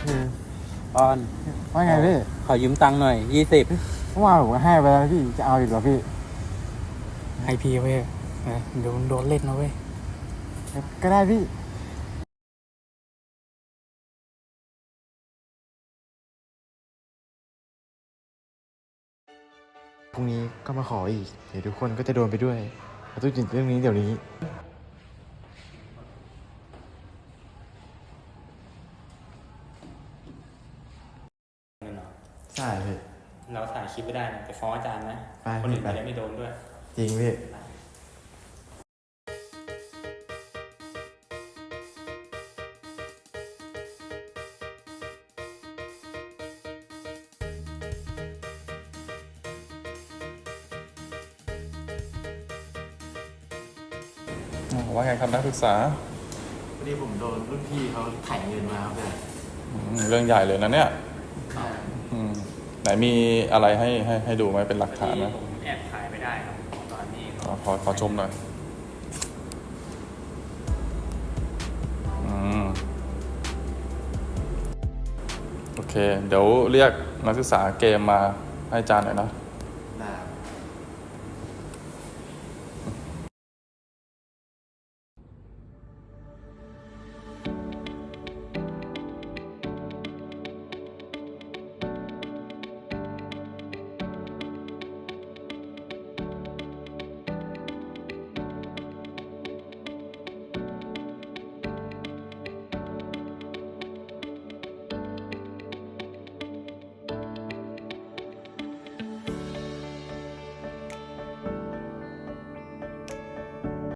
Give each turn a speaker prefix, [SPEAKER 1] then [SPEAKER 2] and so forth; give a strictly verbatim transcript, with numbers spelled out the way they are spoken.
[SPEAKER 1] คือปอน
[SPEAKER 2] ว่าไงพี่
[SPEAKER 1] ขอยืมตังค์หน่อยยี่สิบ
[SPEAKER 2] เมื่อวานผมก็ให้ไปแล้วพี่จะเอาอีกเหรอพี่
[SPEAKER 3] ให้พี่เว้ยนะเดี๋ยวโดนเล่นนะเว้ย
[SPEAKER 2] ก็ได้พี่พรุ่งนี้ก็มาขออีกเดี๋ยวทุกคนก็จะโดนไปด้วยเราต้องหยุดเรื่องนี้เดี๋ยวนี้ใช่พี่
[SPEAKER 1] เราถ่ายคลิปไม่ได้นะไปฟ้องอาจารย์นะ
[SPEAKER 2] ไป
[SPEAKER 1] คนอื่น
[SPEAKER 2] ไป
[SPEAKER 1] จะไม่โดนด้วย
[SPEAKER 2] จริงพี่
[SPEAKER 4] ว่าไงครับนักศึกษา
[SPEAKER 2] วันนี้ผมโดนรุ่นพี่เขาถ่ายเงินมาครับพี่
[SPEAKER 4] อืมเรื่องใหญ่เลยนะเนี่ยอืมไหนมีอะไรให้ให้ให้ดูไหมเป็นหลักฐานนะ
[SPEAKER 1] ผมแอบถ่ายไม่ได้ครับ ตอนนี้
[SPEAKER 4] ขอขอขอชมหน่อยอืมโอเค เดี๋ยวเรียกนักศึกษาเกมมาให้อาจารย์หน่อยนะ